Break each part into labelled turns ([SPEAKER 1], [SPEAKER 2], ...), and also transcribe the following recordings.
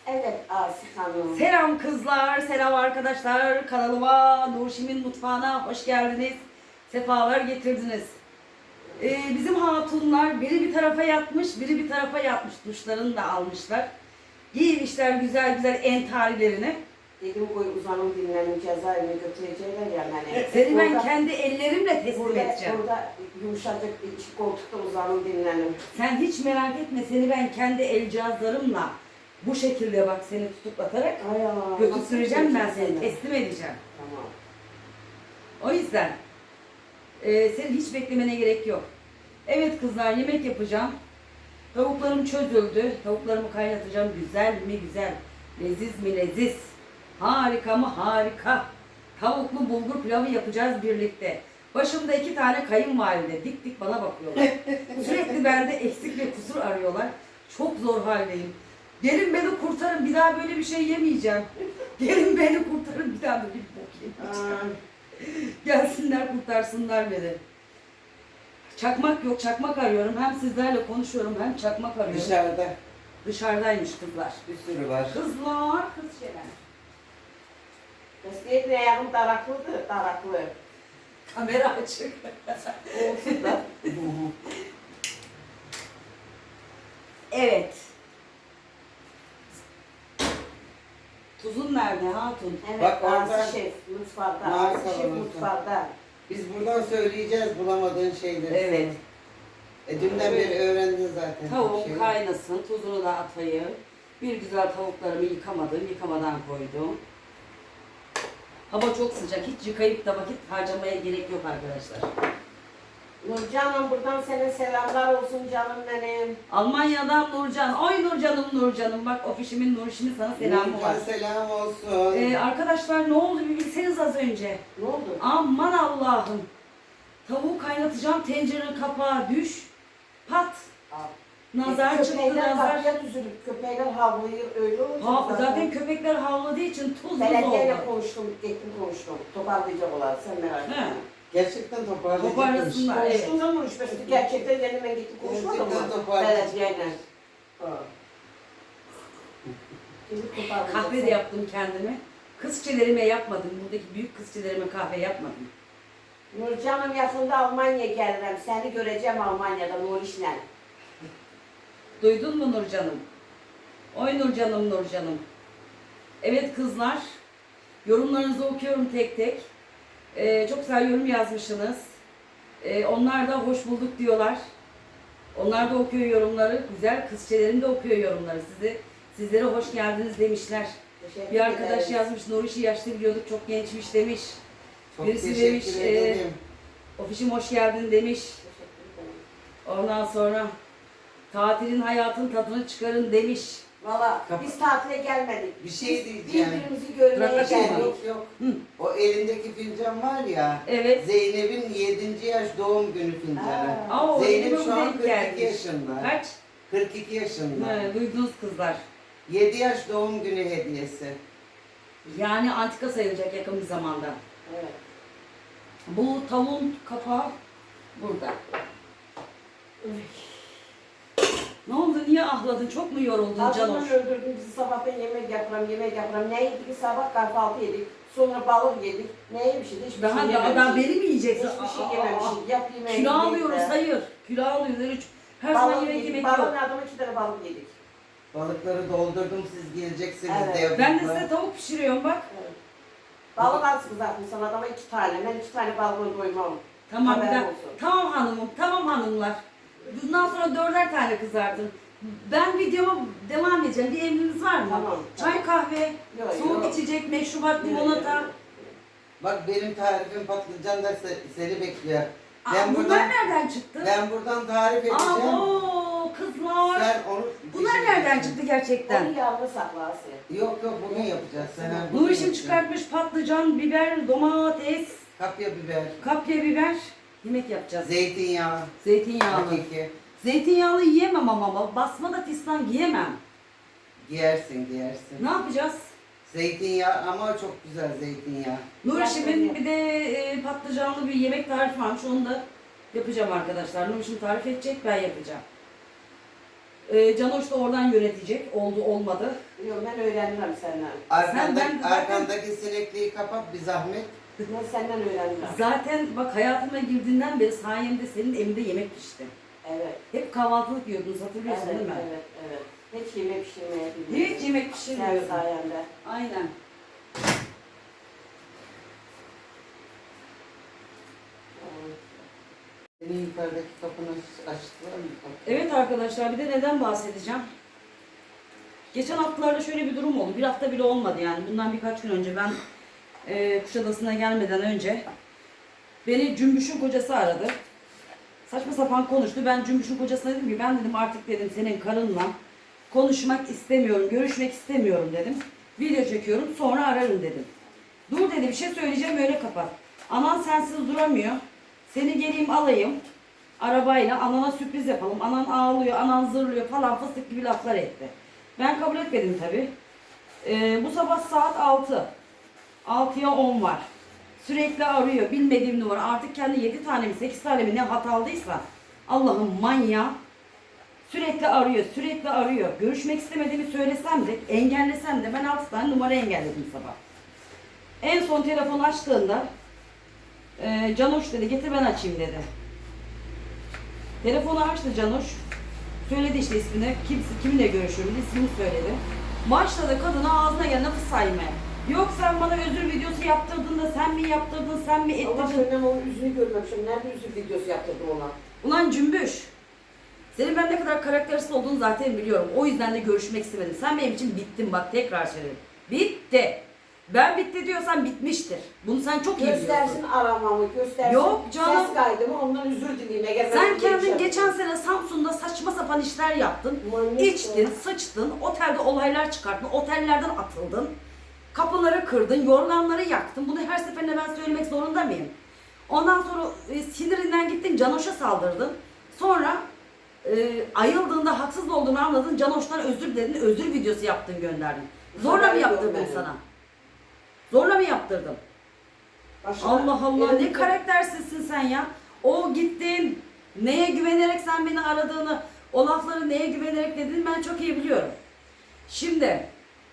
[SPEAKER 1] Evet Asif Hanım.
[SPEAKER 2] Selam kızlar, selam arkadaşlar. Kanalıma Nurşim'in mutfağına hoş geldiniz. Sefalar getirdiniz. Bizim hatunlar biri bir tarafa yatmış, biri bir tarafa yatmış. Duşlarını da almışlar. Giymişler güzel güzel entarilerini.
[SPEAKER 1] Dedim koy uzanım dinlenim cezaevine götürecekler ya hani.
[SPEAKER 2] Seni ben kendi ellerimle teslim
[SPEAKER 1] burada,
[SPEAKER 2] edeceğim.
[SPEAKER 1] Burada yumuşacık iki koltukta uzanım dinlenim.
[SPEAKER 2] Sen hiç merak etme, seni ben kendi el cihazlarımla bu şekilde bak seni tutuklatarak götüreceğim, ben seni teslim edeceğim.
[SPEAKER 1] Tamam.
[SPEAKER 2] O yüzden senin hiç beklemene gerek yok. Evet kızlar, yemek yapacağım. Tavuklarım çözüldü. Tavuklarımı kaynatacağım. Güzel mi güzel. Leziz mi leziz. Harika mı harika. Tavuklu bulgur pilavı yapacağız birlikte. Başımda 2 tane kayınvalide dik dik bana bakıyorlar. Sürekli bende eksik ve kusur arıyorlar. Çok zor haldeyim. Gelin beni kurtarın, bir daha böyle bir şey yemeyeceğim. Gelin beni kurtarın, bir daha böyle bir bok yemeyeceğim. Gelsinler kurtarsınlar beni. Çakmak yok, çakmak arıyorum. Hem sizlerle konuşuyorum hem çakmak arıyorum.
[SPEAKER 3] Dışarıda
[SPEAKER 2] Dışarıdaymış kızlar.
[SPEAKER 3] bir sürü var.
[SPEAKER 2] Kızlar, kız şeyler.
[SPEAKER 1] Mesleğin ayağım daraklıdır, daraklı.
[SPEAKER 2] Kamera açık.
[SPEAKER 1] Olsun da.
[SPEAKER 2] Evet. Tuzun nerede hatun?
[SPEAKER 1] Evet,
[SPEAKER 3] Bak orada
[SPEAKER 1] Asif şef mutfakta,
[SPEAKER 3] Mağara
[SPEAKER 1] Asif şef
[SPEAKER 3] salonu.
[SPEAKER 1] mutfakta.
[SPEAKER 3] Biz buradan söyleyeceğiz bulamadığın şeyleri.
[SPEAKER 2] Evet.
[SPEAKER 3] Dünden beri öğrendin zaten.
[SPEAKER 2] Tavuğum
[SPEAKER 3] şeyi.
[SPEAKER 2] kaynasın, tuzunu da atayım. Bir güzel tavuklarımı yıkamadım, yıkamadan koydum. Hava çok sıcak, hiç yıkayıp da vakit harcamaya gerek yok arkadaşlar.
[SPEAKER 1] Nurcan'ım buradan sana selamlar olsun canım benim.
[SPEAKER 2] Almanya'dan Nurcan. Ay Nurcan'ım Nurcan'ım. Bak ofişimin Nurşim'in sana selamı var.
[SPEAKER 3] Nurcan selam olsun.
[SPEAKER 2] Arkadaşlar ne oldu bir bilseniz az önce.
[SPEAKER 1] Ne oldu?
[SPEAKER 2] Aman Allah'ım. Tavuğu kaynatacağım, tencerenin kapağı düş. Pat. Nazar çıktı
[SPEAKER 1] Köpekler
[SPEAKER 2] nazar.
[SPEAKER 1] kapıya düzülüp köpekler havlayır öyle olur.
[SPEAKER 2] Zaten köpekler havladığı için tuz buz oldu.
[SPEAKER 1] Belediyeyle konuştum, gittim konuştum. Toparlayacak olan sen merak etme.
[SPEAKER 2] He.
[SPEAKER 3] Gerçekten toparlayacakmış.
[SPEAKER 2] Toparlasınlar. Evet.
[SPEAKER 1] Konuştum da konuşmuştu. Gerçekten yanıma gittim konuşmadım
[SPEAKER 3] Gerçekten
[SPEAKER 1] mı?
[SPEAKER 3] toparlayacak.
[SPEAKER 1] Belediyeyle. Gidip toparlayacak.
[SPEAKER 2] Kahve de yaptım kendime. Kızçelerime yapmadım. Buradaki büyük kızçelerime kahve yapmadım.
[SPEAKER 1] Nurcan'ım yakında Almanya'ya gelirim. Seni göreceğim Almanya'da Nuriş'le.
[SPEAKER 2] Duydun mu Nurcan'ım? Oy Nurcan'ım Nurcan'ım. Evet kızlar. Yorumlarınızı okuyorum tek tek. Çok güzel yorum yazmışsınız. Onlar da hoş bulduk diyorlar. Onlar da okuyor yorumları. Güzel kızçelerim de okuyor yorumları. Sizlere hoş geldiniz demişler.
[SPEAKER 1] Teşekkür
[SPEAKER 2] Bir arkadaş
[SPEAKER 1] ederim.
[SPEAKER 2] yazmış. Nuriş'i yaşlı biliyorduk. Çok gençmiş demiş.
[SPEAKER 3] Çok
[SPEAKER 2] Birisi
[SPEAKER 3] teşekkür
[SPEAKER 2] demiş,
[SPEAKER 3] ederim.
[SPEAKER 2] Ofişim hoş geldin demiş.
[SPEAKER 1] Teşekkür ederim.
[SPEAKER 2] Ondan sonra tatilin hayatın tadını çıkarın demiş.
[SPEAKER 1] Valla
[SPEAKER 3] Kapa-
[SPEAKER 1] biz tatile gelmedik.
[SPEAKER 3] Bir şey
[SPEAKER 1] Biz
[SPEAKER 3] diyeceğim.
[SPEAKER 1] birbirimizi görmeye
[SPEAKER 2] Bırak
[SPEAKER 1] geldik.
[SPEAKER 3] Yok yok.
[SPEAKER 2] Hı.
[SPEAKER 3] O elindeki fincan var ya.
[SPEAKER 2] Evet.
[SPEAKER 3] Zeynep'in 7. yaş doğum günü fincanı.
[SPEAKER 2] Aa,
[SPEAKER 3] Zeynep
[SPEAKER 2] elime
[SPEAKER 3] şu
[SPEAKER 2] bu
[SPEAKER 3] an
[SPEAKER 2] denk
[SPEAKER 3] 42
[SPEAKER 2] gelmiş.
[SPEAKER 3] yaşında.
[SPEAKER 2] Kaç?
[SPEAKER 3] 42 yaşında.
[SPEAKER 2] Duydunuz kızlar.
[SPEAKER 3] 7 yaş doğum günü hediyesi.
[SPEAKER 2] Yani antika sayılacak yakın bir zamanda.
[SPEAKER 1] Evet.
[SPEAKER 2] Bu tavuğun kapağı burada. Ne oldu? Niye ahladın? Çok mu yoruldun
[SPEAKER 1] Acından
[SPEAKER 2] Canoş?
[SPEAKER 1] öldürdüm bizi sabahtan yemek yaparım. Ne yedik? Sabah kahvaltı yedik. Sonra balık yedik. Ne yemişiz? Hiçbir
[SPEAKER 2] Daha
[SPEAKER 1] şey
[SPEAKER 2] daha
[SPEAKER 1] yememişiz.
[SPEAKER 2] beni mi yiyeceksin?
[SPEAKER 1] Hiçbir şey
[SPEAKER 2] Aa,
[SPEAKER 1] yememişiz. Yap yemeği.
[SPEAKER 2] Kilo
[SPEAKER 1] yedik
[SPEAKER 2] alıyoruz,
[SPEAKER 1] de.
[SPEAKER 2] hayır. Kilo alıyoruz. Her zaman
[SPEAKER 1] Balık
[SPEAKER 2] yemek
[SPEAKER 1] yedik.
[SPEAKER 2] yemek
[SPEAKER 1] Balığın
[SPEAKER 2] yok.
[SPEAKER 1] adamı 2 tane balık yedik.
[SPEAKER 3] Balıkları doldurdum siz geleceksiniz
[SPEAKER 1] Evet.
[SPEAKER 3] diye.
[SPEAKER 2] Ben de size tavuk pişiriyorum bak.
[SPEAKER 1] Evet. Balık az kızartmışsın adama 2 tane. Ben 2 tane balığını doymam.
[SPEAKER 2] Tamam bir
[SPEAKER 1] Haberin
[SPEAKER 2] dakika.
[SPEAKER 1] olsun.
[SPEAKER 2] Tamam hanımım, tamam hanımlar. Bundan sonra 4'er tane kızartın. Ben videoma devam edeceğim. Bir emriniz var mı?
[SPEAKER 1] Tamam,
[SPEAKER 2] Çay, kahve,
[SPEAKER 1] Yok,
[SPEAKER 2] soğuk
[SPEAKER 1] yok.
[SPEAKER 2] içecek, meşrubat, limonata.
[SPEAKER 3] Bak benim tarifim patlıcan da seni bekliyor.
[SPEAKER 2] Bunlar nereden çıktı?
[SPEAKER 3] Ben buradan tarif edeceğim.
[SPEAKER 2] Aa, kızlar.
[SPEAKER 3] Sen onu
[SPEAKER 2] Bunlar nereden çıktı gerçekten?
[SPEAKER 1] Onu yağlı sakla Asya.
[SPEAKER 3] Yok yok bugün yapacağız. Sen bugün
[SPEAKER 2] Nurişim
[SPEAKER 3] yapacaksın.
[SPEAKER 2] çıkartmış patlıcan, biber, domates,
[SPEAKER 3] Kapya biber,
[SPEAKER 2] kapya biber. Yemek yapacağız.
[SPEAKER 3] zeytinyağı,
[SPEAKER 2] Zeytinyağlı.
[SPEAKER 3] hakiki.
[SPEAKER 2] Zeytinyağlı yiyemem ama basma da fistan giyemem.
[SPEAKER 3] Giyersin giyersin.
[SPEAKER 2] Ne yapacağız?
[SPEAKER 3] Zeytinyağı ama çok güzel zeytinyağı.
[SPEAKER 2] Nurişim'in bir de patlıcanlı bir yemek tarifi varmış. Onu da yapacağım arkadaşlar. Nurişim tarif edecek, ben yapacağım. Canoş da oradan yönetecek. Oldu olmadı.
[SPEAKER 1] Yok ben öğrenirim senden.
[SPEAKER 3] Arkandaki sinekliği kapat bir zahmet.
[SPEAKER 1] Ben senden öğrenirim.
[SPEAKER 2] Zaten bak hayatıma girdiğinden beri sayemde senin evinde yemek pişti.
[SPEAKER 1] Evet.
[SPEAKER 2] Hep kahvaltılık yiyordun, hatırlıyorsun
[SPEAKER 1] Evet,
[SPEAKER 2] değil mi?
[SPEAKER 1] evet, evet. Hiç yemek pişirmeye bilmiyorum.
[SPEAKER 2] Hiç yemek
[SPEAKER 1] Sen
[SPEAKER 2] pişirmiyordun.
[SPEAKER 1] sayende.
[SPEAKER 2] Aynen.
[SPEAKER 3] Senin yukarıdaki kapını açtılar mı?
[SPEAKER 2] Evet arkadaşlar, bir de neden bahsedeceğim? Geçen haftalarda şöyle bir durum oldu. Bir hafta bile olmadı yani. Bundan birkaç gün önce ben Kuşadası'na gelmeden önce beni Cümbüş'ün kocası aradı. Saçma sapan konuştu. Ben Cümbüş'ün kocasına dedim ki ben dedim artık dedim senin karınla konuşmak istemiyorum, görüşmek istemiyorum dedim. Video çekiyorum sonra ararım dedim. Dur dedi, bir şey söyleyeceğim, öyle kapat. Anan sensiz duramıyor. Seni geleyim alayım arabayla, anana sürpriz yapalım. Anan ağlıyor, anan zırlıyor falan fıstık gibi laflar etti. Ben kabul etmedim tabi. Bu sabah saat 6. 6'ya 10 var. Sürekli arıyor. Bilmediğim numara. Artık kendi 7 tane mi 8 tane mi ne hat aldıysa Allah'ım manyağı. Sürekli arıyor. Sürekli arıyor. Görüşmek istemediğimi söylesem de engellesem de ben 6 tane numara engelledim sabah. En son telefonu açtığında Canoş dedi getir ben açayım dedi. Telefonu açtı Canoş. Söyledi işte ismini. Kiminle görüşüyorum ismini söyledi. Başladı kadına ağzına gelen lafı saymaya. Yok sen bana özür videosu yaptırdın da sen mi yaptırdın, sen mi
[SPEAKER 1] Allah
[SPEAKER 2] ettirdin?
[SPEAKER 1] ben onun yüzünü görmemişim. Nerede yüzü videosu yaptırdım ona?
[SPEAKER 2] Ulan Cümbüş. Senin ben ne kadar karaktersiz olduğunu zaten biliyorum. O yüzden de görüşmek istemedim. Sen benim için bittin bak tekrar söyledim. Bitti. Ben bitti diyorsan bitmiştir. Bunu sen çok iyi
[SPEAKER 1] Göstersin
[SPEAKER 2] biliyorsun.
[SPEAKER 1] aramamı, göstersin
[SPEAKER 2] Yok canım.
[SPEAKER 1] ses kaydımı, ondan özür dileyim. Eğer ben
[SPEAKER 2] Sen
[SPEAKER 1] öyle bir şey
[SPEAKER 2] kendin
[SPEAKER 1] yaptım.
[SPEAKER 2] geçen sene Samsun'da saçma sapan işler yaptın.
[SPEAKER 1] Manyak
[SPEAKER 2] İçtin,
[SPEAKER 1] ya.
[SPEAKER 2] sıçtın, otelde olaylar çıkarttın, otellerden atıldın. Kapıları kırdın, yorganları yaktın. Bunu her seferinde ben söylemek zorunda mıyım? Ondan sonra sinirinden gittin, Canoş'a saldırdın. Sonra ayıldığında haksız olduğunu anladın, Canoş'tan özür diledin, özür videosu yaptın gönderdin. Zorla mı yaptırdım sana? Zorla mı yaptırdım?
[SPEAKER 1] Başka-
[SPEAKER 2] Allah Allah
[SPEAKER 1] Benim-
[SPEAKER 2] ne karaktersizsin sen ya. O gittin, neye güvenerek sen beni aradığını, o lafları neye güvenerek dediğini ben çok iyi biliyorum. Şimdi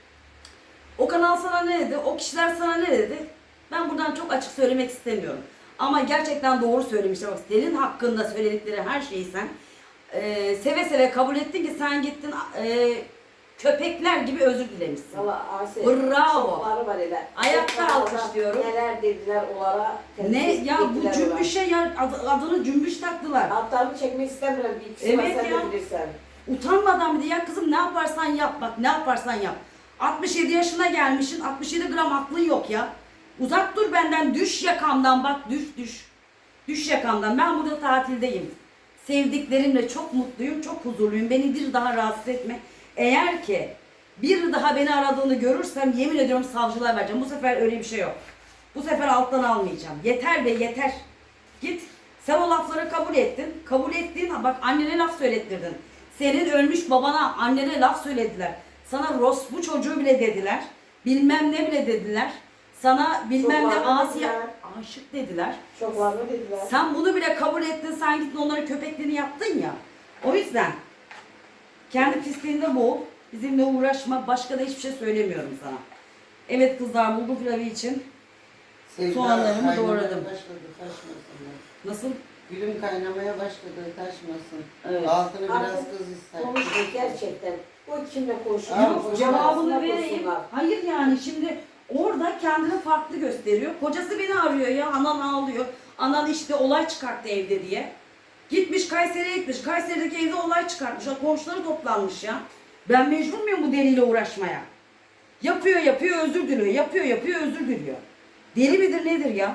[SPEAKER 2] o kanal sana ne dedi, o kişiler sana ne dedi? Ben buradan çok açık söylemek istemiyorum. Ama gerçekten doğru söylemişler. Bak senin hakkında söyledikleri her şeyi sen seve seve kabul ettin ki sen gittin köpekler gibi özür dilemişsin.
[SPEAKER 1] Valla Asi,
[SPEAKER 2] Bravo.
[SPEAKER 1] şokları var hele.
[SPEAKER 2] Ayakta
[SPEAKER 1] Şokları
[SPEAKER 2] alkışlıyorum.
[SPEAKER 1] Neler dediler onlara.
[SPEAKER 2] Ne ya bu Cümbüş'e ya adını Cümbüş taktılar.
[SPEAKER 1] Altlarını çekmek istemiyorum bir ikisi
[SPEAKER 2] Evet
[SPEAKER 1] var sen
[SPEAKER 2] ya.
[SPEAKER 1] de bilirsen.
[SPEAKER 2] Utanmadan bir de ya kızım ne yaparsan yap bak ne yaparsan yap. 67 yaşına gelmişsin 67 gram aklın yok ya. Uzak dur benden düş yakamdan bak düş. Düş yakamdan ben burada tatildeyim. Sevdiklerimle çok mutluyum çok huzurluyum beni bir daha rahatsız etme. Eğer ki bir daha beni aradığını görürsem yemin ediyorum savcılığa vereceğim. Bu sefer öyle bir şey yok. Bu sefer alttan almayacağım. Yeter be yeter. Git. Sen o lafları kabul ettin. Kabul ettiğin bak annene laf söylettirdin. Senin ölmüş babana annene laf söylediler. Sana bu çocuğu bile dediler. Bilmem ne bile dediler. Sana bilmem ne
[SPEAKER 1] Çok var
[SPEAKER 2] Asiye
[SPEAKER 1] dediler.
[SPEAKER 2] aşık dediler.
[SPEAKER 1] Çok var mı dediler.
[SPEAKER 2] Sen bunu bile kabul ettin. Sen gittin onların köpekliğini yaptın ya. O yüzden kendi pisliğinde boğul. Bizimle uğraşma. Başka da hiçbir şey söylemiyorum sana. Evet kızlar bulgur pilavı için
[SPEAKER 3] Sevda
[SPEAKER 2] soğanlarımı
[SPEAKER 3] kaynamaya
[SPEAKER 2] doğradım.
[SPEAKER 3] Başladı, taşmasın.
[SPEAKER 2] Nasıl?
[SPEAKER 3] Gülüm kaynamaya başladı, taşmasın.
[SPEAKER 2] Evet.
[SPEAKER 3] Altını biraz
[SPEAKER 1] Artık
[SPEAKER 3] kız ister.
[SPEAKER 1] Konuştuk gerçekten. O kimle konuşuyor?
[SPEAKER 3] Aa,
[SPEAKER 2] Yok, cevabını
[SPEAKER 1] Arasında
[SPEAKER 2] vereyim.
[SPEAKER 1] konuşsunlar.
[SPEAKER 2] Hayır yani şimdi orada kendini farklı gösteriyor. Kocası beni arıyor ya. Anan ağlıyor. Anan işte olay çıkarttı evde diye. Gitmiş Kayseri'ye gitmiş. Kayseri'deki evde olay çıkartmış. Komşuları toplanmış ya. Ben mecbur muyum bu deliyle uğraşmaya? Yapıyor özür diliyor. Yapıyor özür diliyor. Deli midir nedir ya?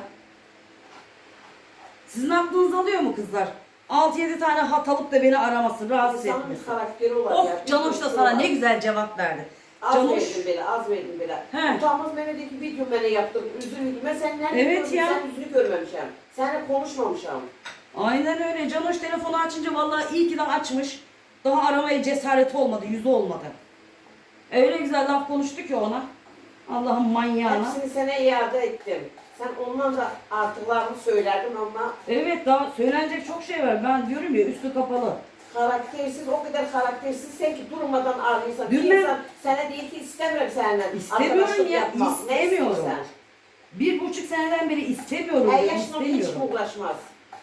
[SPEAKER 2] Sizin aklınız alıyor mu kızlar? 6-7 tane hat alıp da beni araması, rahatsız
[SPEAKER 1] İnsanın
[SPEAKER 2] etmesi.
[SPEAKER 1] bir karakteri var ya.
[SPEAKER 2] Of Canoş da sana ne güzel cevap verdi.
[SPEAKER 1] Az
[SPEAKER 2] Canoş.
[SPEAKER 1] verdim bile, az verdim bile.
[SPEAKER 2] He.
[SPEAKER 1] Utanmaz Mehmet'teki video beni yaptırdım, üzülürdüm. Ben sen nerede
[SPEAKER 2] Evet
[SPEAKER 1] gördüm,
[SPEAKER 2] ya.
[SPEAKER 1] sen yüzünü görmemişim. Seninle konuşmamışım.
[SPEAKER 2] Aynen öyle. Canoş telefonu açınca vallahi iyi ki de açmış. Daha aramaya cesareti olmadı, yüzü olmadı. Öyle güzel laf konuştu ki ona. Allah'ın manyağına.
[SPEAKER 1] Hepsini sana iade ettim. Sen ondan da artıklarını söylerdin ama
[SPEAKER 2] Evet daha söylenecek çok şey var. Ben diyorum ya üstü kapalı.
[SPEAKER 1] Karaktersiz, o kadar karaktersizsen ki durmadan ağlıyorsan. Bir
[SPEAKER 2] Bilmem.
[SPEAKER 1] insan sana değil ki istemiyorum seninle
[SPEAKER 2] İstemiyorum
[SPEAKER 1] arkadaşlık
[SPEAKER 2] ya,
[SPEAKER 1] yapmak. Ne
[SPEAKER 2] istemiyorum.
[SPEAKER 1] istiyorsan?
[SPEAKER 2] 1,5 seneden beri istemiyorum.
[SPEAKER 1] Her
[SPEAKER 2] diyorum,
[SPEAKER 1] yaşın hiç mi
[SPEAKER 2] istemiyorum.
[SPEAKER 1] uğraşmaz?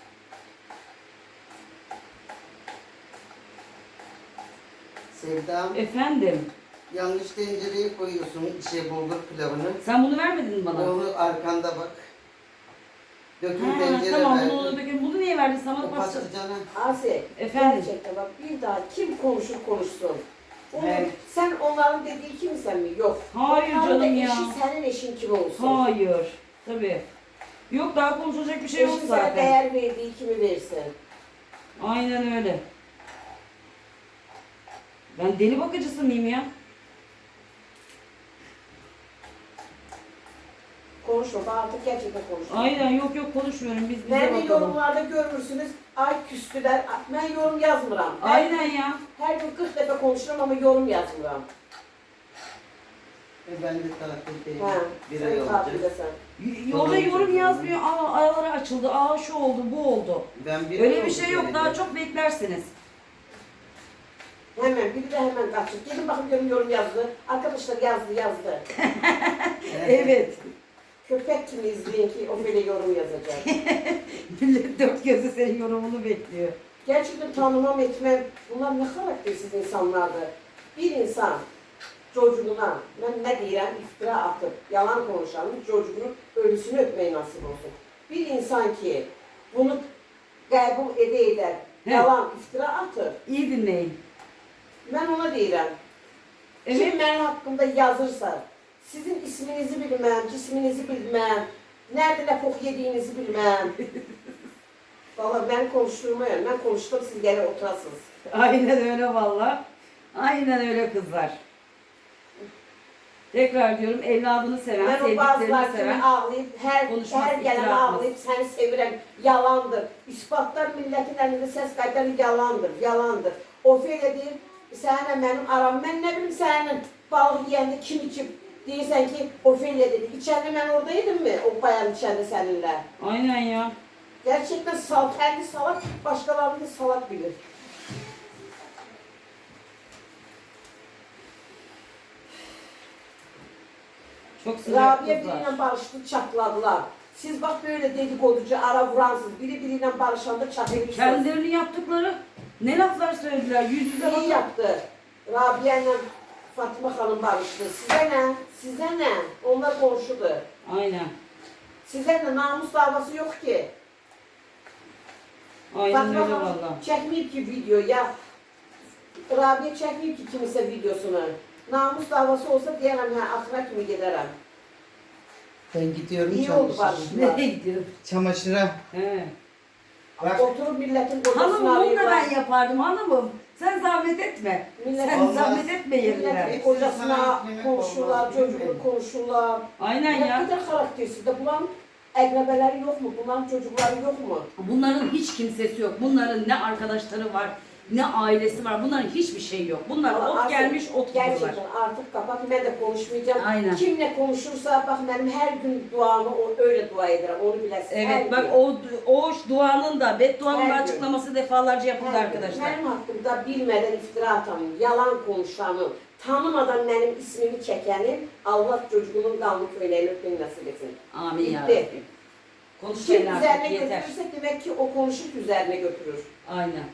[SPEAKER 3] Sevdam,
[SPEAKER 2] Efendim,
[SPEAKER 3] yanlış tencereye koyuyorsun bulgur pilavını.
[SPEAKER 2] sen bunu vermedin mi bana?
[SPEAKER 3] Onu arkanda bak. Döküm
[SPEAKER 2] Ha,
[SPEAKER 3] tencere
[SPEAKER 2] tamam
[SPEAKER 3] verdim.
[SPEAKER 2] bunu dökün. Bunu niye verdin sana?
[SPEAKER 3] O patlıcana.
[SPEAKER 1] Asi,
[SPEAKER 2] Efendim?
[SPEAKER 1] gerçekten bak bir daha kim konuşur konuşsun. Onu,
[SPEAKER 2] Evet.
[SPEAKER 1] sen onların dediği kimsen mi? Yok.
[SPEAKER 2] Hayır
[SPEAKER 1] Onların da
[SPEAKER 2] canım ya.
[SPEAKER 1] eşi senin eşin kim olsun?
[SPEAKER 2] Hayır. Tabii. Yok daha konuşulacak bir şey yok
[SPEAKER 1] Eşin sana
[SPEAKER 2] zaten.
[SPEAKER 1] değer verdiği kimi versin?
[SPEAKER 2] Aynen öyle. Ben deli bakıcısı mıyım ya?
[SPEAKER 1] Konuşma, bak artık gerçekten konuşma.
[SPEAKER 2] Aynen yok konuşmuyorum. Biz bize
[SPEAKER 1] Ben de
[SPEAKER 2] bakalım.
[SPEAKER 1] yorumlarda görürsünüz, ay küstüler, ben yorum yazmıram.
[SPEAKER 2] Aynen ya.
[SPEAKER 1] Her gün 40 defa konuşurum ama yorum yazmıram.
[SPEAKER 3] Ben de taraftayım.
[SPEAKER 1] Ha,
[SPEAKER 3] Bir
[SPEAKER 1] sen
[SPEAKER 3] ay olacak.
[SPEAKER 1] tatildesin.
[SPEAKER 2] Orada yorum yazmıyor. Araları açıldı. Şu oldu, bu oldu.
[SPEAKER 3] Ben bir
[SPEAKER 2] Öyle
[SPEAKER 3] ay
[SPEAKER 2] bir
[SPEAKER 3] oldu
[SPEAKER 2] şey yok.
[SPEAKER 3] geleli.
[SPEAKER 2] Daha çok beklersiniz.
[SPEAKER 1] Hemen, biri de hemen kaçır. Gelin bakın görün yorum yazdı. Arkadaşlar yazdı.
[SPEAKER 2] Evet.
[SPEAKER 1] Köpek kimi izleyin ki o böyle yorum yazacak.
[SPEAKER 2] Millet dört gözle senin yorumunu bekliyor.
[SPEAKER 1] Gerçekten tanımam etmem, bunlar ne karaktersiz insanlardır. Bir insan çocuğuna, ben ne diyeyim, iftira atıp, yalan konuşanın çocuğunun ölüsünü öpmeyi nasip olsun. Bir insan ki bunu kabul eder,
[SPEAKER 2] He.
[SPEAKER 1] yalan, iftira atır,
[SPEAKER 2] İyi dinleyin.
[SPEAKER 1] ben ona diyeyim.
[SPEAKER 2] Evet.
[SPEAKER 1] Kim benim hakkımda yazırsa, sizin isminizi bilmem, cisminizi bilmem, nerede ne pok yediğinizi bilmem. Vallahi ben konuşturmuyorum, ben konuştum siz gene oturasınız.
[SPEAKER 2] Aynen öyle valla. Aynen öyle kızlar. Tekrar diyorum evladını seven,
[SPEAKER 1] Ben o bazılar
[SPEAKER 2] sevdiklerini
[SPEAKER 1] kimi
[SPEAKER 2] seven.
[SPEAKER 1] ağlayıp,
[SPEAKER 2] konuşmaz,
[SPEAKER 1] her gelen
[SPEAKER 2] iftira atmaz.
[SPEAKER 1] ağlayıp seni sevirem, yalandır. İspatlar milletin elinde ses kayıtları yalandır. Ofeliya deyip, seninle benim aram, ben ne bileyim senin balık yiyende kim içip değilsen ki Ofeliya dedi. İçeride ben oradaydım mı o bayan içeride seninle?
[SPEAKER 2] Aynen ya.
[SPEAKER 1] Gerçekten kendi salak, başkalarını da salak bilir.
[SPEAKER 2] Çok sıcak
[SPEAKER 1] Rabia
[SPEAKER 2] kızlar.
[SPEAKER 1] biriyle barıştı, çatladılar. Siz bak böyle dedikoducu, ara vuransız, biriyle barışanda çatlamışsınız.
[SPEAKER 2] Kendilerini yaptıkları ne laflar söylediler. Yüz yüze
[SPEAKER 1] İyi
[SPEAKER 2] bakın.
[SPEAKER 1] yaptı. Rabia ile Fatma Hanım barıştı. Size ne? Size ne? Onlar konuşudu.
[SPEAKER 2] Aynen.
[SPEAKER 1] Size ne? Namus davası yok ki.
[SPEAKER 2] Aynen
[SPEAKER 1] Fatma
[SPEAKER 2] öyle
[SPEAKER 1] Hanım
[SPEAKER 2] valla.
[SPEAKER 1] çekmeyip ki video ya. Rabia çekmeyip ki kimse videosunu. Namus davası olsa diyemem ha aklına kimi giderim.
[SPEAKER 3] Ben gidiyorum
[SPEAKER 1] İyi oldu
[SPEAKER 3] çamaşıra.
[SPEAKER 1] barıştılar.
[SPEAKER 2] Nereye gidiyor?
[SPEAKER 3] Çamaşıra.
[SPEAKER 2] He.
[SPEAKER 3] Bak.
[SPEAKER 1] Oturup milletin kocasını
[SPEAKER 2] Hanımım bunu da
[SPEAKER 1] arıyorlar.
[SPEAKER 2] ben yapardım hanımım. Sen zahmet etme.
[SPEAKER 1] Millet-
[SPEAKER 2] Sen
[SPEAKER 3] Allah-
[SPEAKER 2] zahmet etme yerine.
[SPEAKER 1] Milletin
[SPEAKER 3] Hepsi
[SPEAKER 1] kocasına
[SPEAKER 3] sana eklemek
[SPEAKER 1] konuşurlar,
[SPEAKER 3] olmaz, değil mi?
[SPEAKER 1] çocuğunu konuşurlar.
[SPEAKER 2] Aynen
[SPEAKER 1] Ne
[SPEAKER 2] ya.
[SPEAKER 1] kadar karaktersiz de bunların ekrebeleri yok mu? Bunların çocukları yok mu?
[SPEAKER 2] Bunların hiç kimsesi yok. Bunların ne arkadaşları var, ne ailesi var. Bunların hiçbir şey yok. Bunlar
[SPEAKER 1] Ama
[SPEAKER 2] ot
[SPEAKER 1] artık
[SPEAKER 2] gelmiş, ot gidiyorlar.
[SPEAKER 1] Gerçekten artık kapat, ben de konuşmayacağım.
[SPEAKER 2] Aynen.
[SPEAKER 1] Kimle konuşursa bak benim her gün duamı öyle dua ederim, onu bilesin. Her
[SPEAKER 2] Evet bak
[SPEAKER 1] gün.
[SPEAKER 2] o duanın da bedduanın da
[SPEAKER 1] Her gün.
[SPEAKER 2] açıklaması defalarca yapıldı
[SPEAKER 1] Her gün.
[SPEAKER 2] arkadaşlar.
[SPEAKER 1] Benim hakkımda bilmeden iftira atanım, yalan konuşanım, tanımadan benim ismimi çekenim, Allah çocuğunun kanlı köylerini öpmeyi nasip etsin.
[SPEAKER 2] Amin ya
[SPEAKER 1] Bitti.
[SPEAKER 2] Rabbim.
[SPEAKER 1] Kim
[SPEAKER 2] Konuşmayın
[SPEAKER 1] üzerine
[SPEAKER 2] artık yeter.
[SPEAKER 1] götürürse demek ki o konuşup üzerine götürür.
[SPEAKER 2] Aynen.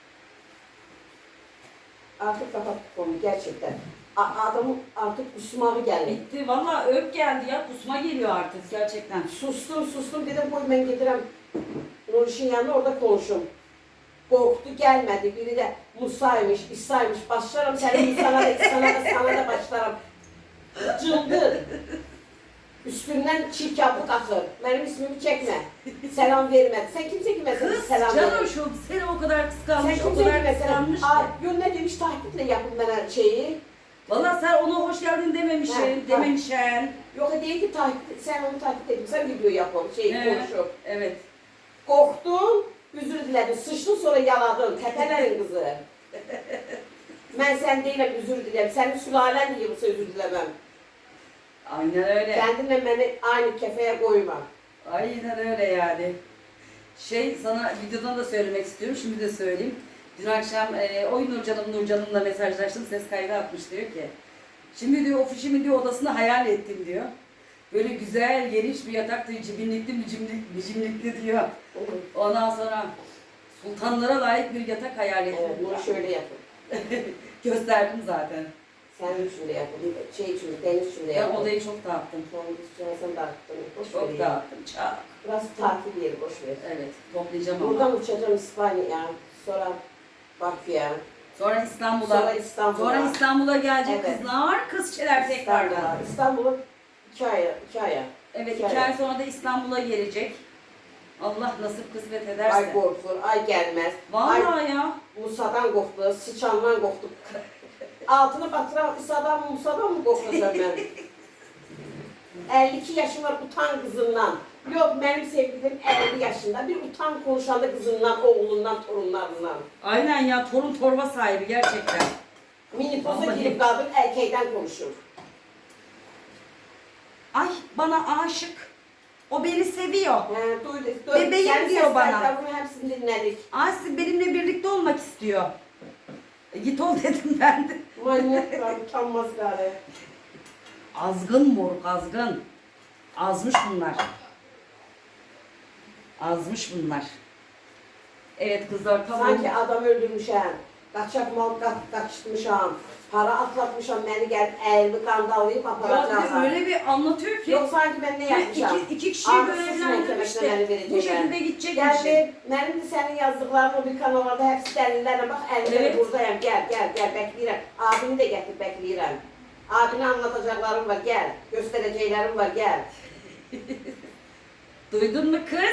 [SPEAKER 1] Artık kapat bu konuyu gerçekten. Adamın artık kusmağı geldi.
[SPEAKER 2] Bitti. Valla öp geldi ya. Kusma geliyor artık gerçekten.
[SPEAKER 1] Sustum dedim koy ben getirem Nuriş'in yanına orada konuşum. Korktu gelmedi. Biri de Musa'ymış, İsa'ymış. Başlarım senin Musa'na da sana da başlarım. Cıldır. Üstünden çiğ kabuk akır. Benim ismimi çekme. Selam verme. Sen kimse kime
[SPEAKER 2] Kız
[SPEAKER 1] selam
[SPEAKER 2] canım
[SPEAKER 1] verir?
[SPEAKER 2] şu seni o kadar
[SPEAKER 1] Sen
[SPEAKER 2] kıskanmış, o
[SPEAKER 1] kimse
[SPEAKER 2] kadar
[SPEAKER 1] kime selam
[SPEAKER 2] kıskanmış ki.
[SPEAKER 1] Yo ne demiş takiple yapın bana şeyi.
[SPEAKER 2] Valla sen ona hoş geldin dememişsin,
[SPEAKER 1] Ha,
[SPEAKER 2] dememişsin.
[SPEAKER 1] Yok değil ki sen onu takip edin. Sen video yapın, konuşup.
[SPEAKER 2] Evet.
[SPEAKER 1] Korktun, özür diledin. Sıçtın sonra yaladın. Tepelerin kızı. Ben sen değilim, özür dilerim. Senin sülalen diye yoksa özür dilemem.
[SPEAKER 2] Aynen öyle.
[SPEAKER 1] Kendinle beni aynı kefeye koyma.
[SPEAKER 2] Aynen öyle yani. Sana videodan da söylemek istiyorum, şimdi de söyleyeyim. Dün akşam oy Nurcan'ımla mesajlaştım. Ses kaydı atmış diyor ki. Şimdi diyor ofisimi diyor odasını hayal ettim diyor. Böyle güzel geniş bir yatak diyor. Cibinlikli bicimlikli diyor. Ondan sonra sultanlara layık bir yatak hayal ettim.
[SPEAKER 1] Evet, bunu şöyle yapın.
[SPEAKER 2] Gösterdim zaten.
[SPEAKER 1] Senin için de yapın. Şey için de, Deniz için de
[SPEAKER 2] Ben
[SPEAKER 1] yapın.
[SPEAKER 2] odayı çok dağıttım.
[SPEAKER 1] Sen dağıttın. Boş ver
[SPEAKER 2] Çok
[SPEAKER 1] ya.
[SPEAKER 2] dağıttım. Çok.
[SPEAKER 1] Burası tatil yeri, boş ver.
[SPEAKER 2] Evet toplayacağım ama.
[SPEAKER 1] Buradan uçacağım İspanya'ya, sonra Bakü'ye,
[SPEAKER 2] Sonra İstanbul'a.
[SPEAKER 1] sonra İstanbul'a.
[SPEAKER 2] Sonra İstanbul'a gelecek
[SPEAKER 1] Evet.
[SPEAKER 2] kızlar. Kızçeler tekrardan.
[SPEAKER 1] İstanbul'a 2 aya.
[SPEAKER 2] Evet
[SPEAKER 1] 2
[SPEAKER 2] 2 ay sonra da İstanbul'a gelecek. Allah nasip kısmet ederse.
[SPEAKER 1] Ay korkur, ay gelmez.
[SPEAKER 2] Vallahi ya.
[SPEAKER 1] Musa'dan korktu, sıçandan korktu. Altını batıran Musa'dan mı korkacağım ben? 52 yaşım var, utan kızından. Yok benim sevgilim 50 yaşında. Bir utan konuşanda kızından, oğlundan, torunlarından.
[SPEAKER 2] Aynen ya torun torba sahibi gerçekten.
[SPEAKER 1] Minipoza
[SPEAKER 2] Vallahi.
[SPEAKER 1] girip kadın erkeğden konuşur.
[SPEAKER 2] Ay bana aşık. O beni seviyor.
[SPEAKER 1] He, duyduk.
[SPEAKER 2] Bebeğim
[SPEAKER 1] Senin
[SPEAKER 2] diyor bana.
[SPEAKER 1] seslerden hepsini dinledik.
[SPEAKER 2] Asi benimle birlikte olmak istiyor. Git ol dedim ben de.
[SPEAKER 1] Manyaklar, utanmaz gari.
[SPEAKER 2] Azgın moruk azgın. Azmış bunlar. Azmış bunlar. Evet kızlar tamam.
[SPEAKER 1] Sanki adam öldürmüşəm, kaçak mal kaçmışam, para atlatmışam, beni gelip elimi kandallayıp
[SPEAKER 2] Ya
[SPEAKER 1] aparacağım.
[SPEAKER 2] öyle bir anlatıyor ki.
[SPEAKER 1] Yok sanki ben ne yapmışam?
[SPEAKER 2] iki kişiyi
[SPEAKER 1] Artık suç
[SPEAKER 2] görevlendirmişti.
[SPEAKER 1] məhkəməsinə məni
[SPEAKER 2] Bu
[SPEAKER 1] verəcəklər.
[SPEAKER 2] şekilde gidecekmiş.
[SPEAKER 1] Geldi, benim de senin yazdıkların o bir kanallarda hepsi delillerle bak elimde
[SPEAKER 2] Evet.
[SPEAKER 1] buradayım, gel bekleyirəm. Abini de getir bekleyirəm. Abine anlatacaklarım var, gel. Göstereceğlerim var, gel.
[SPEAKER 2] Duydun mu kız?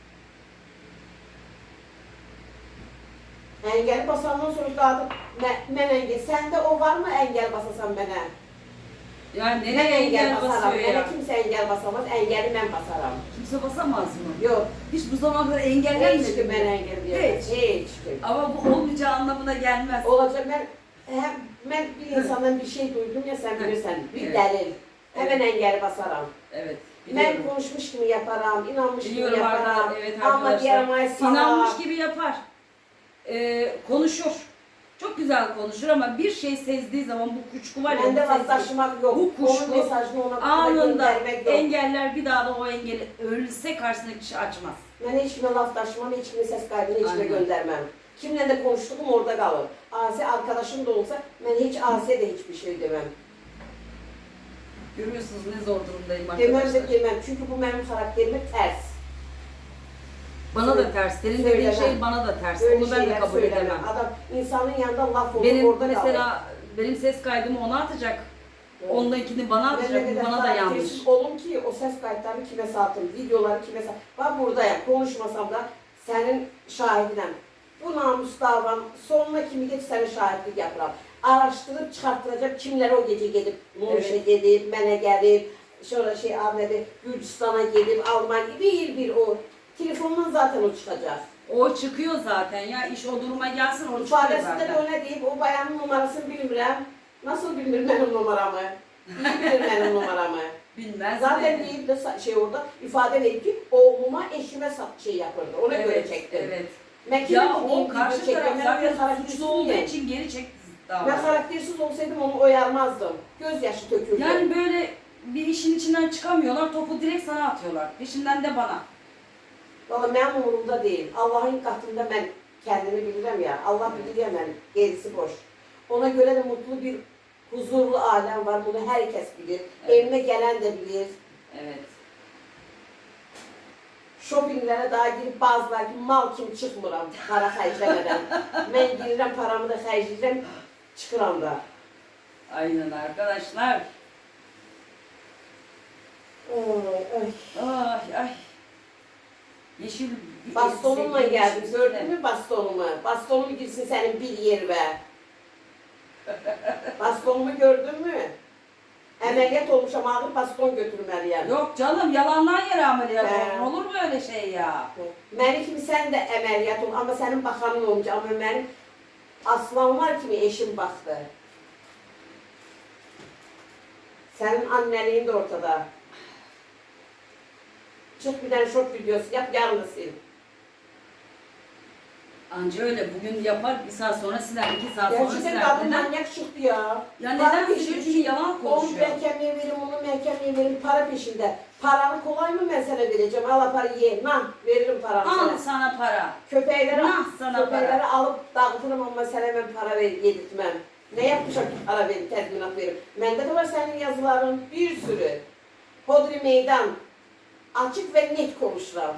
[SPEAKER 1] Engel basandan sonra kadın, ben engel. Sende o var mı engel basasan bana?
[SPEAKER 2] Yani
[SPEAKER 1] Ben
[SPEAKER 2] nereye engel
[SPEAKER 1] basarım.
[SPEAKER 2] basıyor ya?
[SPEAKER 1] Bana kimse engel basamaz, engeli ben basarım.
[SPEAKER 2] Kimse basamaz mı?
[SPEAKER 1] Yok,
[SPEAKER 2] Hiç bu zamana kadar
[SPEAKER 1] hiç
[SPEAKER 2] engellenmedi
[SPEAKER 1] kim
[SPEAKER 2] mi?
[SPEAKER 1] ben engel diyor.
[SPEAKER 2] Hiç.
[SPEAKER 1] Hiç kim.
[SPEAKER 2] Ama bu olmayacağı anlamına gelmez.
[SPEAKER 1] Olacak ben bir insandan bir şey duydum ya sen bilirsen, bir
[SPEAKER 2] Evet.
[SPEAKER 1] delil. Hemen engeli basarım.
[SPEAKER 2] Evet.
[SPEAKER 1] Ben
[SPEAKER 2] Biliyorum.
[SPEAKER 1] konuşmuş gibi yaparım, inanmış
[SPEAKER 2] Biliyorum
[SPEAKER 1] gibi yaparım.
[SPEAKER 2] Arda, evet
[SPEAKER 1] Ama
[SPEAKER 2] arkadaşlar.
[SPEAKER 1] diğer ay
[SPEAKER 2] İnanmış gibi yapar. Konuşur. Çok güzel konuşur ama bir şey sezdiği zaman bu kuşku var ya.
[SPEAKER 1] Bende
[SPEAKER 2] bu sezgi-
[SPEAKER 1] vazdaşmak yok.
[SPEAKER 2] Bu kuşku
[SPEAKER 1] Onun mesajını ona
[SPEAKER 2] anında
[SPEAKER 1] göndermek yok.
[SPEAKER 2] engeller bir daha da o engeli ölse karşısındaki kişi açmaz.
[SPEAKER 1] Ben hiç kime laflaşmam, hiç kime ses kaydını hiç kime
[SPEAKER 2] Aynen.
[SPEAKER 1] göndermem. Kimle de konuştuğum orada kalır. Asi arkadaşım da olsa ben hiç Asi'ye de hiçbir şey demem.
[SPEAKER 2] Görüyorsunuz ne zor durumdayım
[SPEAKER 1] Demem
[SPEAKER 2] arkadaşlar.
[SPEAKER 1] de demem çünkü bu benim karakterime ters.
[SPEAKER 2] Bana da ters. Senin dediğin
[SPEAKER 1] Söylemem.
[SPEAKER 2] şey bana da ters.
[SPEAKER 1] Böyle
[SPEAKER 2] Onu ben de
[SPEAKER 1] şeyler
[SPEAKER 2] kabul
[SPEAKER 1] söylemem.
[SPEAKER 2] edemem.
[SPEAKER 1] Adam insanın yanında laf olur
[SPEAKER 2] Benim
[SPEAKER 1] orada
[SPEAKER 2] mesela benim ses kaydımı ona atacak.
[SPEAKER 1] kalır.
[SPEAKER 2] Ondakini bana
[SPEAKER 1] Ben
[SPEAKER 2] atacak.
[SPEAKER 1] ne
[SPEAKER 2] Bu
[SPEAKER 1] kadar
[SPEAKER 2] bana da yanlış.
[SPEAKER 1] karaktersiz olun ki o ses kayıtlarını kime satın, videoları kime satın. Ben buradayım, konuşmasam da senin şahidinem. Bu namus davam sonuna kimi geç senin şahitlik yapıram. Araştırıp çıkarttıracak kimlere o gece gelip Muş'a gelip, mənə gelip, şöyle Ahmet'e Gürcistan'a gelip, Almanya bir o. Telefondan zaten o çıkacak.
[SPEAKER 2] O çıkıyor zaten ya. İş o duruma gelsin o çıkıyor
[SPEAKER 1] İfadesinde de
[SPEAKER 2] zaten.
[SPEAKER 1] öyle deyip o bayanın numarasını bilmirəm. Nasıl bilmir benim numaramı? İyi bilir benim numaramı.
[SPEAKER 2] Bilmez
[SPEAKER 1] Zaten
[SPEAKER 2] mi?
[SPEAKER 1] deyip de orada ifade verip ki oğluma eşime şey yapırdı. Ona göre
[SPEAKER 2] Evet,
[SPEAKER 1] çektim.
[SPEAKER 2] evet.
[SPEAKER 1] Ben
[SPEAKER 2] Ya
[SPEAKER 1] kimim
[SPEAKER 2] o
[SPEAKER 1] deyip
[SPEAKER 2] karşı
[SPEAKER 1] video çekmem.
[SPEAKER 2] taraf
[SPEAKER 1] Ben öyle
[SPEAKER 2] zaten
[SPEAKER 1] karaktersiz
[SPEAKER 2] suçlu olduğu
[SPEAKER 1] miyim?
[SPEAKER 2] için geri çekti
[SPEAKER 1] Ben
[SPEAKER 2] davayı.
[SPEAKER 1] karaktersiz olsaydım onu oyarmazdım. Gözyaşı tökürdü.
[SPEAKER 2] Yani böyle bir işin içinden çıkamıyorlar, topu direkt sana atıyorlar. Peşinden de bana.
[SPEAKER 1] Valla benim umurumda değil. Allah'ın katında ben kendimi bilirim ya. Allah bilir ya ben. Gerisi boş. Ona göre de mutlu bir, huzurlu alem var. Bunu herkes bilir.
[SPEAKER 2] Evet.
[SPEAKER 1] Evime gelen de bilir.
[SPEAKER 2] Evet.
[SPEAKER 1] Shoppinglere daha girip bazılar ki mal kimi çıkmıram para xərcləmədən. Mən girirəm paramı da xərcləyirəm, çıxıram da.
[SPEAKER 2] Aynen arkadaşlar.
[SPEAKER 1] Ay.
[SPEAKER 2] Ay ay. Yeşil bir
[SPEAKER 1] Bastonumla
[SPEAKER 2] elbise
[SPEAKER 1] geldim,
[SPEAKER 2] giymiş
[SPEAKER 1] gördün
[SPEAKER 2] üstüne.
[SPEAKER 1] mü bastonumu? Bastonumu girsin senin bir yerine. Bastonumu gördün mü? Əməliyyat olmuşam, ağır baston götürməliyəm.
[SPEAKER 2] Yok canım yalandan yere ameliyat
[SPEAKER 1] He.
[SPEAKER 2] olun. Olur mu öyle şey ya?
[SPEAKER 1] Məni kimi sən də əməliyyat ol, amma sənin baxanın olmayacaq. Amma mənim aslanlar kimi eşim baxdı. Sənin annəliyin də ortada. Çık bir tane short videosu yap, yarın da sil.
[SPEAKER 2] Anca öyle. Bugün yapar, bir saat sonra siler, 2 saat sonra
[SPEAKER 1] Gerçekten
[SPEAKER 2] siler.
[SPEAKER 1] kadın
[SPEAKER 2] Neden?
[SPEAKER 1] manyak çıktı ya.
[SPEAKER 2] Ya neden söylüyor? Çünkü yalan
[SPEAKER 1] Onu
[SPEAKER 2] konuşuyor.
[SPEAKER 1] mehkemeye verin, onu mehkemeye verin, para peşinde. Paranı kolay mı ben sana vereceğim? Al parayı ye, nah veririm paranı
[SPEAKER 2] Al
[SPEAKER 1] sana.
[SPEAKER 2] sana para.
[SPEAKER 1] Köpekleri,
[SPEAKER 2] Nah sana
[SPEAKER 1] köpekleri alıp dağıtırım ama sana ben para yedirtmem. Ne yapmışam ki para verip, tezminat verip. Bende de var senin yazıların bir sürü. Hodri meydan. Açık ve net konuşuram.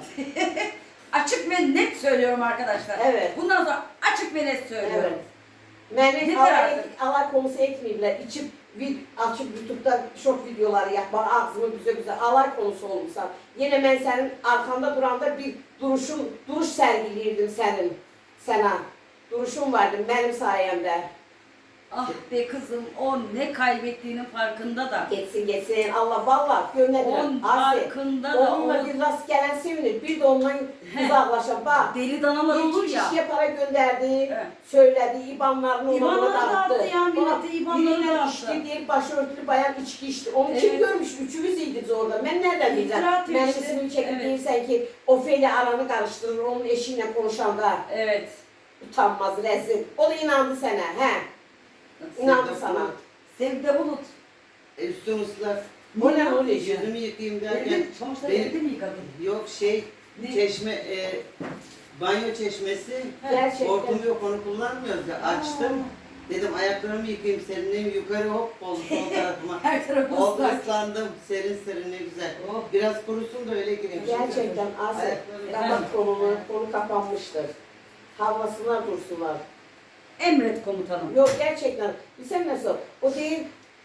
[SPEAKER 2] Açık ve net söylüyorum arkadaşlar.
[SPEAKER 1] Evet.
[SPEAKER 2] Bundan sonra açık ve net söylüyorum.
[SPEAKER 1] Evet. Beni
[SPEAKER 2] Yeter artık.
[SPEAKER 1] alay konusu etmeyirler. İçip açıp YouTube'da şok videoları yapma, ağzımı güzel alay konusu olmuşsan. Yine ben senin arkanda duranda bir duruş sergiliyirdim sana. Duruşun vardı benim sayemde.
[SPEAKER 2] Ah be kızım, o ne kaybettiğinin farkında da.
[SPEAKER 1] Geçsin. Allah vallahi gönderdim.
[SPEAKER 2] On farkında da.
[SPEAKER 1] Onunla
[SPEAKER 2] O
[SPEAKER 1] bir rast gelen sevinir. Bir de ondan uzaklaşan. Bak.
[SPEAKER 2] deli danalar olur
[SPEAKER 1] İki
[SPEAKER 2] ya.
[SPEAKER 1] kişiye para gönderdi,
[SPEAKER 2] Evet.
[SPEAKER 1] söyledi, İBAN'larını ona
[SPEAKER 2] İBAN'ları
[SPEAKER 1] dağıttı.
[SPEAKER 2] dağıttı ya, millete İBAN'ları
[SPEAKER 1] Birine
[SPEAKER 2] dağıttı.
[SPEAKER 1] içti diye başörtülü bayan içki içti. Onu kim
[SPEAKER 2] Evet.
[SPEAKER 1] görmüş? Üçümüz iyiydik orada. Ben nereden bileceğim?
[SPEAKER 2] İftira atıyor
[SPEAKER 1] Benim
[SPEAKER 2] işte.
[SPEAKER 1] ismimi çekip
[SPEAKER 2] Evet.
[SPEAKER 1] değilsen ki Ofeli aranı karıştırır, onun eşiyle konuşanda
[SPEAKER 2] Evet.
[SPEAKER 1] utanmaz, rezil. O da inandı sana, he? İnandı sana.
[SPEAKER 2] Sevde bulut.
[SPEAKER 3] Üstüm ıslak.
[SPEAKER 1] O ne oluyor?
[SPEAKER 3] Yüzümü yıkayayım derken.
[SPEAKER 2] Evde çamaşırları
[SPEAKER 3] benim-
[SPEAKER 2] evde mi yıkadın?
[SPEAKER 3] Yok
[SPEAKER 2] Ne?
[SPEAKER 3] çeşme, banyo çeşmesi.
[SPEAKER 1] Gerçekten.
[SPEAKER 3] Hortum yok, onu kullanmıyoruz ya. Açtım. Dedim ayaklarımı yıkayayım, serinleyeyim, yukarı hop oldu sol tarafıma.
[SPEAKER 2] Her tarafı
[SPEAKER 3] Oldu,
[SPEAKER 2] ıslak.
[SPEAKER 3] ıslandım, serin ne güzel.
[SPEAKER 2] Oh.
[SPEAKER 3] Biraz kurusun da öyle gireyim.
[SPEAKER 1] Gerçekten Asya,
[SPEAKER 3] Ayaklarım-
[SPEAKER 1] kapat konu kapanmıştır. Havasına dursunlar.
[SPEAKER 2] Emret komutanım.
[SPEAKER 1] Yok gerçekten. Bilsem nasıl? O değil,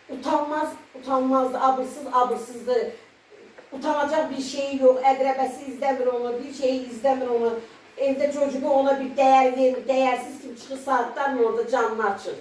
[SPEAKER 1] utanmazdı, abırsızdı. Utanacak bir şey yok. Edrebesi izlemir onu, bir şeyi izlemir onu. Evde çocuğu ona bir değer verir. Değersiz kim çıkır saatler mi orada canını açır.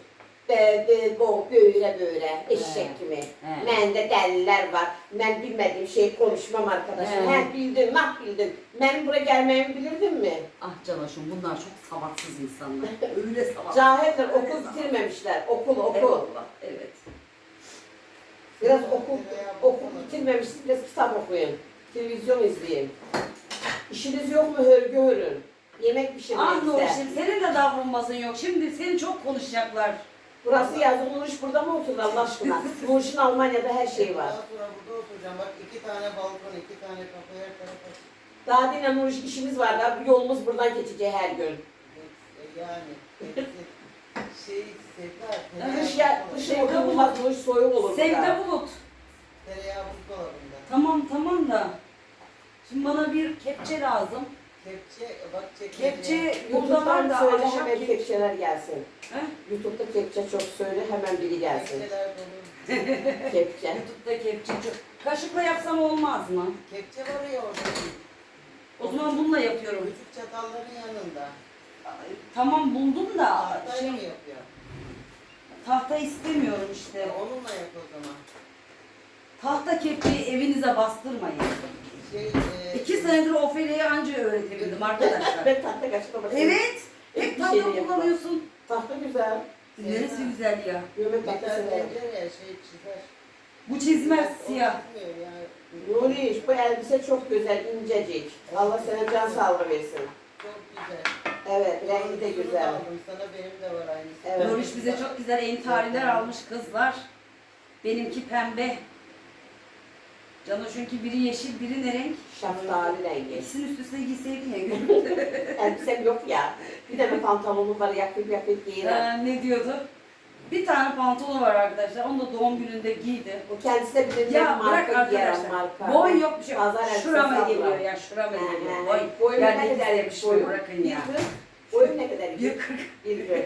[SPEAKER 1] Böyle eşek gibi.
[SPEAKER 2] He.
[SPEAKER 1] Bende deliler var. Ben bilmediğim şeyi konuşmam arkadaşım.
[SPEAKER 2] He.
[SPEAKER 1] Bildim, bildim. Benim buraya gelmemi bilirdin mi?
[SPEAKER 2] Ah Canaşım, bunlar çok savaksız insanlar. Öyle savaksız.
[SPEAKER 1] Cahiller okul bitirmemişler. Okul.
[SPEAKER 2] Eyvallah, evet.
[SPEAKER 1] Biraz okul bitirmemişsiniz, biraz kitap okuyun. Televizyon izleyin. İşiniz yok mu hörgü hörün. Yemek pişirmeyin
[SPEAKER 2] Ah
[SPEAKER 1] size.
[SPEAKER 2] Nurşin, senin de davranmasın yok. Şimdi seni çok konuşacaklar.
[SPEAKER 1] Burası yazık, Nuriş burada mı oturur Allah aşkına? Nuriş'in Almanya'da her şeyi var.
[SPEAKER 3] Daha sonra burada oturacağım. Bak 2 tane balkon, 2 tane kapı, her tarafa.
[SPEAKER 1] Daha dinle Nuriş işimiz var da yolumuz buradan geçeceği her gün.
[SPEAKER 3] Yani. Sevda.
[SPEAKER 1] Kışın oturulmaz, Nuriş soğuk olur
[SPEAKER 2] Sevde
[SPEAKER 1] burada.
[SPEAKER 2] bulut.
[SPEAKER 3] Tereyağı buzdolabında.
[SPEAKER 2] Tamam da. Şimdi bana bir kepçe lazım.
[SPEAKER 3] Kepçe, bak
[SPEAKER 2] Kepçe burada var
[SPEAKER 1] YouTube'dan
[SPEAKER 2] da
[SPEAKER 1] söyle
[SPEAKER 2] ahşap
[SPEAKER 1] hemen
[SPEAKER 2] kepçe.
[SPEAKER 1] kepçeler gelsin.
[SPEAKER 2] He?
[SPEAKER 1] YouTube'da kepçe çok söyle hemen biri gelsin.
[SPEAKER 3] Kepçeler dolu.
[SPEAKER 1] Kepçe.
[SPEAKER 2] YouTube'da kepçe çok. Kaşıkla yapsam olmaz mı?
[SPEAKER 3] Kepçe var ya orada.
[SPEAKER 2] O zaman bununla yapıyorum.
[SPEAKER 3] Küçük çatalların yanında.
[SPEAKER 2] Tamam buldum da
[SPEAKER 3] Tahtayla mı yapıyor?
[SPEAKER 2] tahta istemiyorum işte.
[SPEAKER 3] Onunla yap o zaman.
[SPEAKER 2] Tahta kepçeyi evinize bastırmayın. 2 senedir Ofelia'yı anca öğretebildim arkadaşlar.
[SPEAKER 1] Ben tahta kaçına başladım.
[SPEAKER 2] Evet. Hep
[SPEAKER 1] Bir
[SPEAKER 2] tahta
[SPEAKER 1] şey de yapma.
[SPEAKER 2] kullanıyorsun.
[SPEAKER 1] Tahta güzel.
[SPEAKER 2] Neresi güzel ya.
[SPEAKER 1] Gömek
[SPEAKER 3] Bir
[SPEAKER 1] tahtası
[SPEAKER 3] tane
[SPEAKER 1] severim.
[SPEAKER 3] tencere çizer.
[SPEAKER 2] Bu çizmez
[SPEAKER 3] O
[SPEAKER 2] siyah.
[SPEAKER 3] gitmiyor yani.
[SPEAKER 1] Nuriş bu elbise çok güzel, incecik. Allah sana can sağlığı versin.
[SPEAKER 3] Çok güzel.
[SPEAKER 1] Evet, rengi de
[SPEAKER 3] Şunu
[SPEAKER 1] güzel.
[SPEAKER 3] aldım sana, benim de var aynısı.
[SPEAKER 1] Evet.
[SPEAKER 2] Nuriş bize çok güzel entariler almış kızlar. Benimki pembe. Canoş'unki biri yeşil, biri ne renk?
[SPEAKER 1] Şaftali rengi.
[SPEAKER 2] İkisini üst üste giyseydin ya gülüm.
[SPEAKER 1] Elbisem yok ya. Bir tane pantolonum var, yakıp giyerim.
[SPEAKER 2] Ne diyordu? Bir tane pantolonu var arkadaşlar. Onu da doğum gününde giydi.
[SPEAKER 1] O kendisi de bilir
[SPEAKER 2] Ya bırak
[SPEAKER 1] marka giyerim,
[SPEAKER 2] arkadaşlar.
[SPEAKER 1] marka.
[SPEAKER 2] Boy yok bir şey.
[SPEAKER 1] Pazar elbisesi
[SPEAKER 2] Şurama
[SPEAKER 1] abla.
[SPEAKER 2] geliyor ya, şurama geliyor. Boy.
[SPEAKER 1] Boyum
[SPEAKER 2] Yani
[SPEAKER 1] ne kadar
[SPEAKER 2] ikisi
[SPEAKER 1] yemiş
[SPEAKER 2] boyu
[SPEAKER 1] boyum?
[SPEAKER 2] bırakın ya.
[SPEAKER 1] Boyum ne kadar yemiş?
[SPEAKER 2] 1.40.
[SPEAKER 1] Bir gün.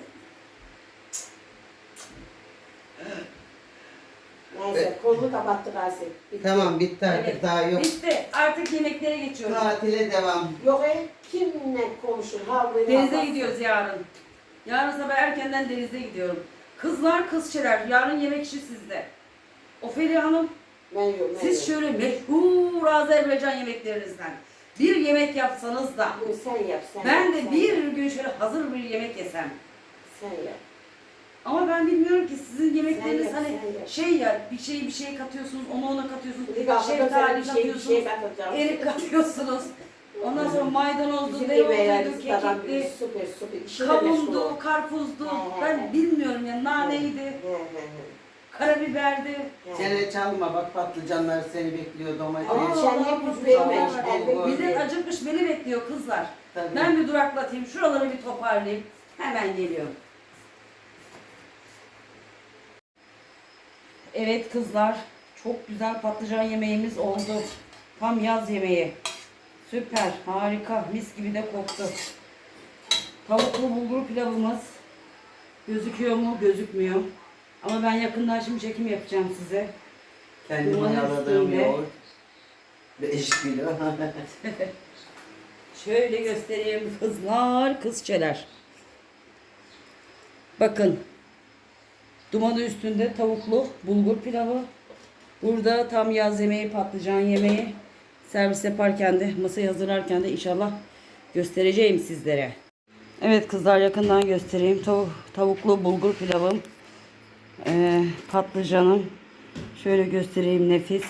[SPEAKER 1] Neyse, kolunu kapattık Asi. Bitti.
[SPEAKER 3] Tamam bitti artık,
[SPEAKER 2] Evet.
[SPEAKER 3] daha yok.
[SPEAKER 2] Bitti. Artık yemeklere geçiyoruz.
[SPEAKER 3] Tatile devam.
[SPEAKER 1] Yok kimle konuşur? Havlıyla
[SPEAKER 2] Denize
[SPEAKER 1] havası.
[SPEAKER 2] gidiyoruz yarın. Yarın sabah erkenden denize gidiyorum. Kızlar kızçeler. Yarın yemek işi sizde. Ofelia Hanım,
[SPEAKER 1] Ben yok, ben
[SPEAKER 2] siz
[SPEAKER 1] yok.
[SPEAKER 2] şöyle meşhur Azerbaycan yemeklerinizden bir yemek yapsanız da
[SPEAKER 1] Bunu sen yap, sen
[SPEAKER 2] ben
[SPEAKER 1] yap,
[SPEAKER 2] de
[SPEAKER 1] sen
[SPEAKER 2] bir
[SPEAKER 1] yap.
[SPEAKER 2] gün şöyle hazır bir yemek yesem.
[SPEAKER 1] Sen yap.
[SPEAKER 2] Ama ben bilmiyorum ki sizin yemekleriniz
[SPEAKER 1] Sen yap,
[SPEAKER 2] hani
[SPEAKER 1] sen yap.
[SPEAKER 2] şey ya bir şey katıyorsunuz, ona katıyorsunuz,
[SPEAKER 1] Bir kalkıp
[SPEAKER 2] şeftali
[SPEAKER 1] bir şey
[SPEAKER 2] katıyorsunuz,
[SPEAKER 1] katacağım.
[SPEAKER 2] erik katıyorsunuz. Ondan sonra maydanozlu,
[SPEAKER 1] Bizim
[SPEAKER 2] dereotluydu,
[SPEAKER 1] yemeğlerimiz adam
[SPEAKER 2] kekikli,
[SPEAKER 1] süper süper. İşine meşgul
[SPEAKER 2] kavundu,
[SPEAKER 1] ol.
[SPEAKER 2] karpuzdu.
[SPEAKER 1] He.
[SPEAKER 2] Ben bilmiyorum ya, naneydi,
[SPEAKER 1] He.
[SPEAKER 2] karabiberdi.
[SPEAKER 3] Çene çalma bak patlıcanlar seni bekliyor domates.
[SPEAKER 1] Ama
[SPEAKER 2] Aa,
[SPEAKER 1] sen hep yüz vermemiş.
[SPEAKER 3] Aa,
[SPEAKER 1] Elbet
[SPEAKER 3] bulgur.
[SPEAKER 2] Millet
[SPEAKER 1] bilir.
[SPEAKER 2] acıkmış, beni bekliyor kızlar.
[SPEAKER 3] Tabii.
[SPEAKER 2] Ben bir duraklatayım, şuraları bir toparlayayım. Hemen geliyorum. Evet kızlar, çok güzel patlıcan yemeğimiz oldu. Tam yaz yemeği. Süper, harika, mis gibi de koktu. Tavuklu bulgur pilavımız. Gözüküyor mu? Gözükmüyor. Ama ben yakından şimdi çekim yapacağım size.
[SPEAKER 3] Kendim
[SPEAKER 2] Dumanın
[SPEAKER 3] ayarladığım
[SPEAKER 2] üstünde.
[SPEAKER 3] yoğurt. 5 kilo.
[SPEAKER 2] Şöyle göstereyim kızlar, kızçeler. Bakın. Dumanı üstünde tavuklu bulgur pilavı. Burada tam yaz yemeği, patlıcan yemeği. Servis yaparken de, masayı hazırlarken de inşallah göstereceğim sizlere. Evet kızlar, yakından göstereyim. Tavuklu bulgur pilavım. Patlıcanım. Şöyle göstereyim, nefis.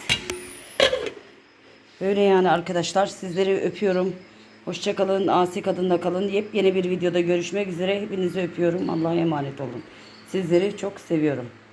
[SPEAKER 2] Böyle yani arkadaşlar, sizleri öpüyorum. Hoşça kalın, asi kadında kalın. Yepyeni bir videoda görüşmek üzere. Hepinizi öpüyorum. Allah'a emanet olun. Sizleri çok seviyorum.